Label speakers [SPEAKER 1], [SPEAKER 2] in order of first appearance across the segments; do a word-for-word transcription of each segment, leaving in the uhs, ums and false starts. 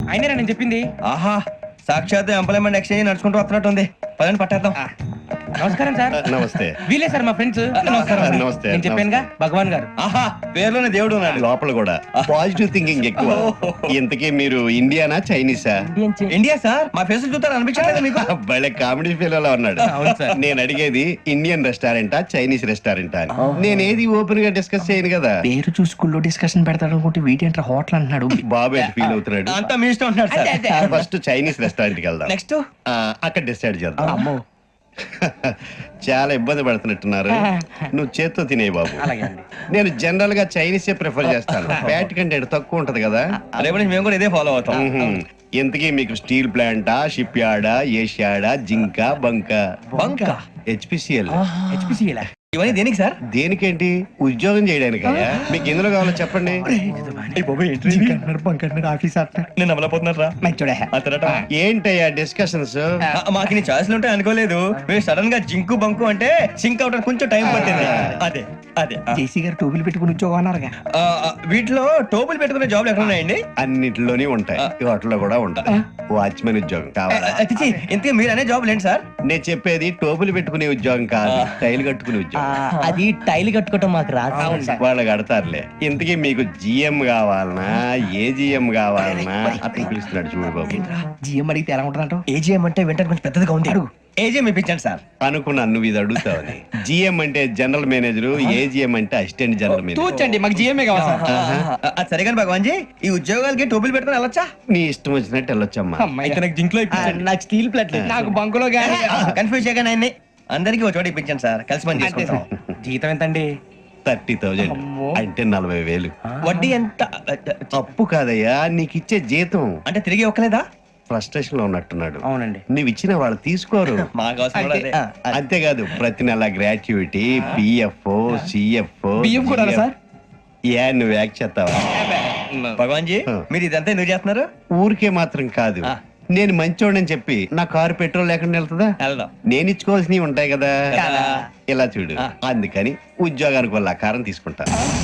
[SPEAKER 1] అయినా నేను చెప్పింది.
[SPEAKER 2] ఆహా, సాక్షాత్ ఎంప్లాయ్మెంట్ ఎక్స్చేంజ్ నడుచుకుంటూ వస్తున్నట్టు ఉంది. పదండి పట్టేద్దాం.
[SPEAKER 1] నమస్కారం సార్.
[SPEAKER 3] నమస్తే.
[SPEAKER 1] వీలే సార్ మా ఫ్రెండ్స్. నమస్కారం.
[SPEAKER 3] నమస్తే.
[SPEAKER 1] నేను చెప్పానుగా భగవాన్ గారు.
[SPEAKER 2] ఆహా, పేర్లోనే దేవుడు ఉన్నాడు.
[SPEAKER 3] లోపల కూడా పాజిటివ్ థింకింగ్ ఎక్కువ. ఇంతకీ మీరు ఇండియానా చైనీసా?
[SPEAKER 2] India sir. మా ఫేస్ చూస్తారు అనిపించలేదు మీకు?
[SPEAKER 3] భలే కామెడీ ఫీల్ అలా ఉన్నాడు.
[SPEAKER 2] అవును సార్.
[SPEAKER 3] నేను అడిగేది ఇండియన్ రెస్టారెంటా చైనీస్ రెస్టారెంటా అని. నేను ఏది ఓపెన్ గా డిస్కస్ చేయను కదా.
[SPEAKER 1] పేరు చూసుకుల్లో డిస్కషన్ పెడతాడు అనుకుంటే వీటేంట్రా హోటల్ అంటున్నాడు.
[SPEAKER 3] బాబు ఎట్ ఫీల్ అవుతున్నాడు.
[SPEAKER 2] అంతా మీ ఇష్టం ఉంటున్నాడు సార్.
[SPEAKER 3] ఫస్ట్ చైనీస్ రెస్టారెంట్ కి వెళ్దాం.
[SPEAKER 2] నెక్స్ట్
[SPEAKER 3] ఆ, అక్కడ డిసైడ్ చేద్దాం. చాలా ఇబ్బంది పడుతున్నట్టున్నారు. నువ్వు చేత్తో తినే బాబు. నేను జనరల్ గా చైనీసే ప్రిఫర్ చేస్తాను. ఫ్యాట్ కంటెంట్ తక్కువ ఉంటది కదా.
[SPEAKER 2] రేపు నుంచి మేము కూడా ఇదే ఫాలో అవుతాం.
[SPEAKER 3] ఎంతకీ మీకు స్టీల్ ప్లాంటా, షిప్ యార్డా, ఏషియాడా, జింక, బంక?
[SPEAKER 2] బంక,
[SPEAKER 3] హెచ్పిసిఎల్.
[SPEAKER 1] హెచ్పిసిఎల్
[SPEAKER 2] ఇవన్నీ దేనికి సార్?
[SPEAKER 3] దేనికేంటి? ఉద్యోగం చేయడానికి. మీకు ఎందులో కావాలో చెప్పండి.
[SPEAKER 2] నేను అమలపోతున్నారా?
[SPEAKER 3] ఏంటయ్యా డిస్కషన్స్?
[SPEAKER 2] మాకు నీ ఛాయిస్లు ఉంటాయి అనుకోలేదు. మీరు సడన్ గా జింకు బంకు అంటే సింక్ అవడానికి కొంచెం టైం పట్టింది. అదే అదే
[SPEAKER 1] జేసీ గారు టోపీలు పెట్టుకుని ఉద్యోగం అన్నారుగా.
[SPEAKER 2] ఆ, ఆ, వీటిలో టోపులు పెట్టుకునే జాబ్లు ఎక్కడ ఉన్నాయండి?
[SPEAKER 3] అన్నిటిలోనే ఉంటాయి. వాటిలో కూడా ఉంటాయి. వాచ్మెన్ ఉద్యోగం కావాలా?
[SPEAKER 2] అతిచి ఇంతకీ మీరు అనే జాబ్ లేండి సార్?
[SPEAKER 3] నేను చెప్పేది టోపులు పెట్టుకునే ఉద్యోగం కాదు, టైల్ కట్టుకునే ఉద్యోగం.
[SPEAKER 1] అది టైల్ కట్టుకోవటం మాకు రాదు.
[SPEAKER 3] వాళ్ళు కడతారులే. ఇంతకీ మీకు జిఎం కావాలనా, ఏ జిఎం కావాలనా? అతను పిలుస్తున్నాడు చూడు బాబు.
[SPEAKER 1] జిఎం అడిగితే ఎలా ఉంటుందంట?
[SPEAKER 2] ఏజీఎం అంటే వెంటనే కొంచెం పెద్దదిగా ఉంది. అడుగు. ఏజీఎం ఇప్పించండి సార్.
[SPEAKER 3] అనుకున్నాను నువ్వు ఇది అడుగుతావని. జిఎం అంటే జనరల్ మేనేజర్, ఏజిఎం అంటే అసిస్టెంట్ జనరల్ మేనేజర్.
[SPEAKER 1] తూచండి, మాకు జిఎంఏ కావాలి సార్.
[SPEAKER 2] అది సరే కానీ భగవాన్ జీ, ఈ ఉద్యోగాలకి టోపులు పెట్టుకుని వెళ్ళొచ్చా?
[SPEAKER 3] నీ ఇష్టం వచ్చినట్టు వెళ్ళొచ్చమ్మా.
[SPEAKER 2] అయితే నాకు జింక్ లో
[SPEAKER 1] నాకు స్టీల్ ప్లేట్ నాకు బంకులో గానీ
[SPEAKER 2] కన్ఫ్యూజ్ చేయగానే ఆయన్ని అందరికీ ఒక చోట ఇప్పించండి సార్. కలిసి పని చేసుకుంటాం.
[SPEAKER 1] జీతం ఎంతండి?
[SPEAKER 3] థర్టీ థౌజండ్ అంటే నలభై వేలు.
[SPEAKER 2] వడ్డీ ఎంత?
[SPEAKER 3] అప్పు కాదయ్యా, నీకు ఇచ్చే జీతం.
[SPEAKER 2] అంటే తిరిగి ఒక్కలేదా?
[SPEAKER 3] ఫ్రస్ట్రేషన్ లో ఉన్నట్టున్నాడు.
[SPEAKER 1] అవునండి.
[SPEAKER 3] నువ్వు ఇచ్చిన వాళ్ళు తీసుకోరు.
[SPEAKER 2] మాకు అవసరం కూడా అదే.
[SPEAKER 3] అంతేకాదు ప్రతి నెల గ్రాట్యుటీ, పిఎఫ్, సిఎఫ్.
[SPEAKER 1] బియ్యం కూడా సార్?
[SPEAKER 3] ఏ నువ్వు యాక్ చేస్తావా?
[SPEAKER 2] భగవాన్ జీ, మీరు ఇదంతా ఎందుకు చేస్తున్నారు?
[SPEAKER 3] ఊరికే మాత్రం కాదు, నేను మంచోడని చెప్పి నా కారు పెట్రోల్ లేకుండా వెళ్తుందా?
[SPEAKER 2] వెళ్దాం.
[SPEAKER 3] నేను ఇచ్చుకోవాల్సినవి ఉంటాయి కదా.
[SPEAKER 2] కదా.
[SPEAKER 3] ఇలా చూడు, అందుకని ఉద్యోగానికి వాళ్ళ ఆకారం తీసుకుంటా.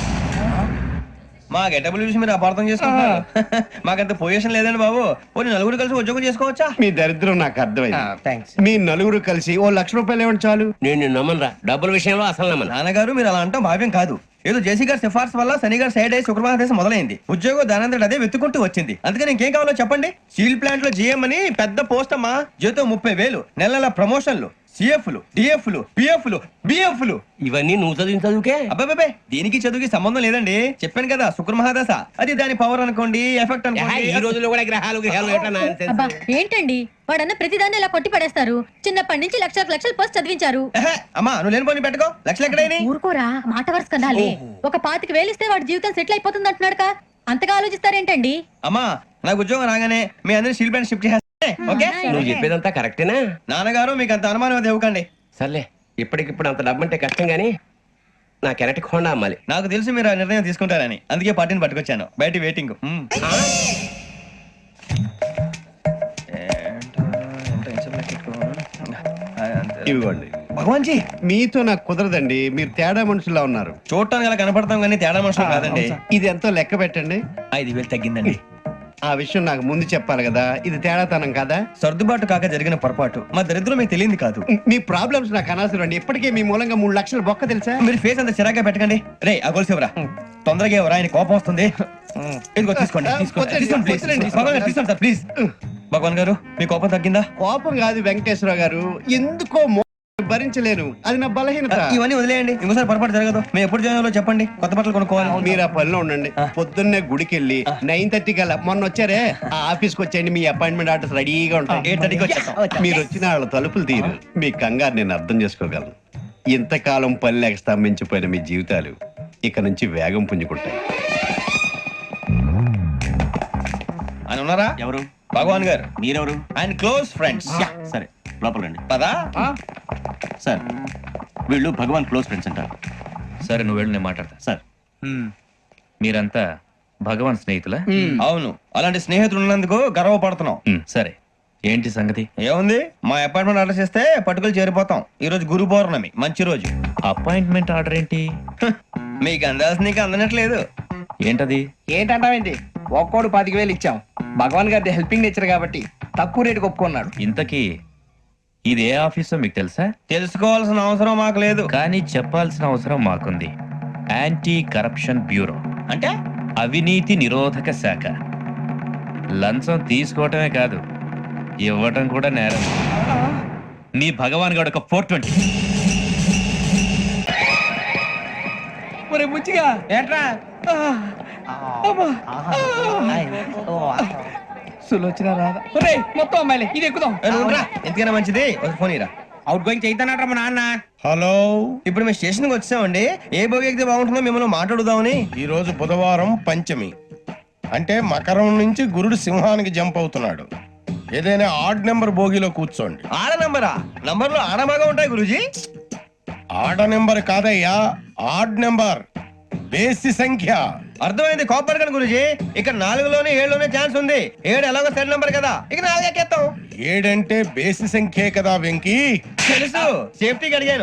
[SPEAKER 2] మా గెటబుల్ చూసి మీరు అపార్థం చేసుకుంటున్నారు. మాకంత పొజిషన్ లేదండి బాబు. పోనీ నలుగురు కలిసి ఉద్యోగం చేసుకోవచ్చా?
[SPEAKER 3] మీ దరిద్రం నాకు అర్థమైంది.
[SPEAKER 1] థ్యాంక్స్.
[SPEAKER 3] మీ నలుగురు కలిసి ఓ లక్ష రూపాయలు ఇవ్వండి చాలు.
[SPEAKER 4] నేను నమ్మనరా, డబ్బుల విషయంలో అసలు నమ్మను.
[SPEAKER 2] నాన్నగారు మీరు అలా అంటాం భావ్యం కాదు. ఏదో జేసీ గారి సిఫార్సు వల్ల శని గారు సైడ్ అయ్యి శుక్రవారం దేశం మొదలైంది. ఉద్యోగం దానంతటి అదే వెతుకుంటూ వచ్చింది. అందుకని ఇంకేం కావాలో చెప్పండి. స్టీల్ ప్లాంట్ లో జీఎం అని పెద్ద పోస్ట్ అమ్మా. జీతం ముప్పై వేలు, నెల నెల ప్రమోషన్లు, సిఎఫ్లు, డిఎఫ్లు, పిఎఫ్లు, బిఎఫ్లు.
[SPEAKER 4] ఇవన్నీ నువ్వు చదివిన చదువుకే.
[SPEAKER 2] అబ్బాబే, దీనికి చదువుకి సంబంధం లేదండి. చెప్పాను కదా, శుక్ర మహాదశ. అది దాని పవర్ అనుకోండి, ఎఫెక్ట్ అనుకోండి.
[SPEAKER 4] ఈ రోజుల్లో కూడా గ్రహాలు గ్రహాలు ఏటా nonsense?
[SPEAKER 5] అబ్బా ఏంటండి వాడన్న ప్రతిదాన్ని ఇలా కొట్టి పడేస్తారు. చిన్నప్పటి నుంచి లక్షలకు లక్షలు పోస్ట్ చదివించారు.
[SPEAKER 2] ఎహె, అమ్మా నువ్వు లేని పోనీ పెట్టుకో. లక్షలు ఎక్కడైనా
[SPEAKER 5] ఊరుకోరా, మాట వరుస కదాలే. ఒక పాతికి వేలిస్తే వాడి జీవితం సెటిల్ అయిపోతుంది అంటున్నాడుగా. అంతగా ఆలోచిస్తారేంటండి?
[SPEAKER 2] అమ్మా నాకు ఉద్యోగం రాగానే మీ అందరినీ స్టీల్ ప్లాంట్ షిఫ్ట్ చేస్తే ఓకే?
[SPEAKER 4] నువ్వు చెప్పేదంతా కరెక్టేనా?
[SPEAKER 2] నాన్నగారు మీకు అంత అనుమానం అది ఇవ్వకండి.
[SPEAKER 4] సర్లే, ఇప్పటికిప్పుడు అంత డబ్బు అంటే కష్టం గానీ నా కెనటిక్ హోండా అమ్మాలి.
[SPEAKER 2] నాకు తెలుసు మీరు ఆ నిర్ణయం తీసుకుంటారని, అందుకే పార్టీని పట్టుకొచ్చాను. బయట వెయిటింగ్.
[SPEAKER 3] ఇవ్వండి.
[SPEAKER 2] భగవాన్ జీ,
[SPEAKER 3] మీతో నాకు కుదరదండి. మీరు తేడా మనుషుల్లా ఉన్నారు.
[SPEAKER 2] చూడటానికి అలా కనపడతాం కానీ తేడా మనుషులు కాదండి.
[SPEAKER 3] ఇది ఎంతో లెక్క పెట్టండి.
[SPEAKER 2] ఐదు వేలు తగ్గిందండి.
[SPEAKER 3] ఆ విషయం నాకు ముందు చెప్పాలి కదా. ఇది తేడాతనం కదా.
[SPEAKER 2] సర్దుబాటు కాక జరిగిన పొరపాటు. మా దరిద్రం మీకు తెలియంది కాదు.
[SPEAKER 3] మీ ప్రాబ్లమ్స్ నాకు అనవసరం అండి. ఇప్పటికే మీ మూలంగా మూడు లక్షలు బొక్క తెలుసా.
[SPEAKER 2] మీరు ఫేస్ అంత చిరాగ్గా పెట్టకండి. రే ఆ గొలుసు ఎవరా? తొందరగా ఎవరా? ఆయన కోపం వస్తుంది. ఇదిగో తీసుకోండి, తీసుకోండి, తీసుకోండి, please. భగవాన్ గారు, తీసుకోండి సార్ ప్లీజ్. భగవాన్ గారు మీ కోపం తగ్గిందా?
[SPEAKER 3] కోపం కాదు వెంకటేశ్వర గారు, ఎందుకో మో- భరించలేను. అది నా బలహీనత.
[SPEAKER 2] ఇవన్నీ వదిలేయండి, ఇంకోసారి పొరపాటు జరగదు. మేము ఎప్పుడు జాయిన్ అవ్వాలో చెప్పండి, కొత్త బట్టలు కొనుక్కోవాలి.
[SPEAKER 3] మీరు ఆ పనిలో ఉండండి. పొద్దున్నే గుడికి వెళ్ళి నైన్ థర్టీ కల్లా, మొన్న వచ్చారే ఆ ఆఫీస్కి వచ్చేయండి. మీ అపాయింట్మెంట్ ఆర్డర్స్ రెడీగా ఉంటాయి.
[SPEAKER 2] ఎయిట్ థర్టీకి వచ్చేస్తాం.
[SPEAKER 3] మీరు వచ్చిన వాళ్ళ తలుపులు తీరు. మీ కంగారు నేను అర్థం చేసుకోగలను. ఇంతకాలం పని లేక స్తంభించిపోయిన మీ జీవితాలు ఇక నుంచి వేగం పుంజుకుంటాయి.
[SPEAKER 2] ఆయన ఉన్నారా?
[SPEAKER 6] ఎవరు?
[SPEAKER 2] భగవాన్ గారు.
[SPEAKER 6] మీరెవరు?
[SPEAKER 2] ఆయన క్లోజ్ ఫ్రెండ్స్.
[SPEAKER 6] సరే లోపల రండి.
[SPEAKER 2] పదా?
[SPEAKER 6] సార్ వీళ్ళు భగవాన్ క్లోజ్ ఫ్రెండ్స్ అంటారు.
[SPEAKER 7] సరే నువ్వు వెళ్ళు, నేను మాట్లాడతా.
[SPEAKER 6] సార్
[SPEAKER 7] మీరంతా భగవాన్ స్నేహితులా?
[SPEAKER 2] అవును, అలాంటి స్నేహితులు ఉన్నందుకు గర్వపడుతున్నాం.
[SPEAKER 7] మ్, సరే ఏంటి సంగతి?
[SPEAKER 2] ఏముంది, మా అపాయింట్మెంట్ ఆర్డర్ చేస్తే పట్టుకులు చేరిపోతాం. ఈ రోజు గురు పౌర్ణమి, మంచి రోజు.
[SPEAKER 7] అపాయింట్మెంట్ ఆర్డర్ ఏంటి?
[SPEAKER 2] మీకు అందాల్సిన నీకు అందనట్లేదు.
[SPEAKER 7] ఏంటది?
[SPEAKER 1] ఏంటంటావేంటి? ఒక్కోడు పాతిక వేలు ఇచ్చాం. భగవాన్ గారి హెల్పింగ్ నేచర్ కాబట్టి తక్కువ రేటుకి ఒప్పుకున్నాడు.
[SPEAKER 7] ఇంతకీ ఇది ఏ ఆఫీసో మీకు తెలుసా?
[SPEAKER 2] తెలుసుకోవాల్సిన అవసరం మాకు లేదు.
[SPEAKER 7] కానీ చెప్పాల్సిన అవసరం మాకుంది. యాంటీ కరప్షన్ బ్యూరో,
[SPEAKER 2] అంటే
[SPEAKER 7] అవినీతి నిరోధక శాఖ. లంచం తీసుకోవటమే కాదు, ఇవ్వటం కూడా నేరం. మీ భగవాన్ గారు ఒక ఫోర్ ట్వంటీ.
[SPEAKER 1] ముచ్చిగా
[SPEAKER 2] ఏట్రా
[SPEAKER 1] సులోచన రాదా? ఒరేయ్, మొత్తం అమ్మాయిలే, ఇది ఎక్కుదాం.
[SPEAKER 2] ఏ, నువ్వు రా. ఎందుకైనా మంచిది ఒక ఫోన్ ఇరా.
[SPEAKER 1] అవుట్ గోయింగ్ చేద్దానట్రా మా నాన్న.
[SPEAKER 8] హలో,
[SPEAKER 2] ఇప్పుడు మేము స్టేషన్కి వచ్చామండి. ఏ బోగి ఎక్కితే బాగుంటుందో మిమ్మల్ని మాట్లాడుదామని.
[SPEAKER 8] ఈరోజు బుధవారం పంచమి, అంటే మకరం నుంచి గురుడు సింహానికి జంప్ అవుతున్నాడు. ఏదైనా ఆడ్ నెంబర్ బోగిలో కూర్చోండి.
[SPEAKER 2] ఆడ నంబరా? నంబర్లు ఆడమాగా ఉంటాయి గురూజీ.
[SPEAKER 8] ఆడ నెంబర్ కాదయ్యా, ఆడ్ నెంబర్, బేసి సంఖ్య.
[SPEAKER 2] అర్థమైంది. కాపర్ కానీ గురూజీ, ఇక్కడ నాలుగులోనే ఏడులోనే ఛాన్స్ ఉంది. ఏడు ఎలాగో సెడ్ నంబర్ కదా, ఇక నాలుగు ఎక్కేస్తాం.
[SPEAKER 8] ఏడంటే బేసి సంఖ్యే కదా వెంకీ.
[SPEAKER 2] తెలుసు, సేఫ్టీకి అడిగాను.